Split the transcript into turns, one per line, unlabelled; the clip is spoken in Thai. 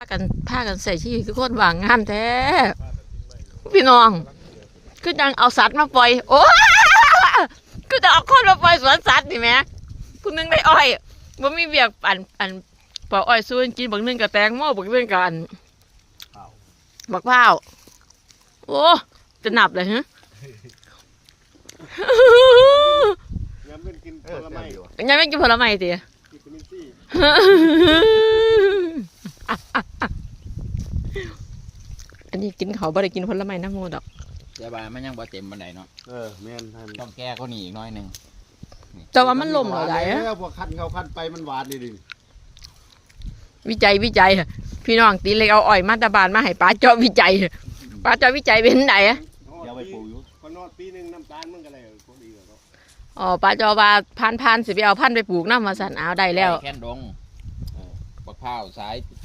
พากันใส่ชีวิตคือคนว่างงานแท้พี่น้องคือจังเอาสัตว์มาปล่อยโอ้คือจะเอาคนมาปล่อยสวนสัตว์นี่แหมผู้นึงได้อ้อยบ่มีเบียกอันปอกอ้อยสู้กินบางนึงกับแตงโมบางนึงกับอันบักพร้าวโอ้จะนับเลยฮะ
ยังไม่กินผลไม้
ยังไม่กินผลไม้สิ
วิตามินซี
อันนี้กินเขาบ่ได้กินผลไม้น้ำมูดอก
แต่ว่ามันยังบ่เต็มบันไดเนาะ
แม่น
ต้องแก้เขานี่อีกน้อยหนึ่ง
แต่ว่ามันล่มเหรอไดอะ
พวกคันเขาคันไปมันหวานดิ
วิจัยพี่น้องตีเล็กเอาอ้อยมาตาบานมาให้ป้าเจาะวิจัยเป็นไหนอะ
อย่าไปปลูกอยู่พอนอดปีนึงน้ำตาลมันก็เลยพอดีแล้ว
อ๋อป้าเจาะว่าพันสิไปเอาพันไปปลูกน้ำมาสั่นเอาได้แล้ว
แค่นดงบักพร้าวสาย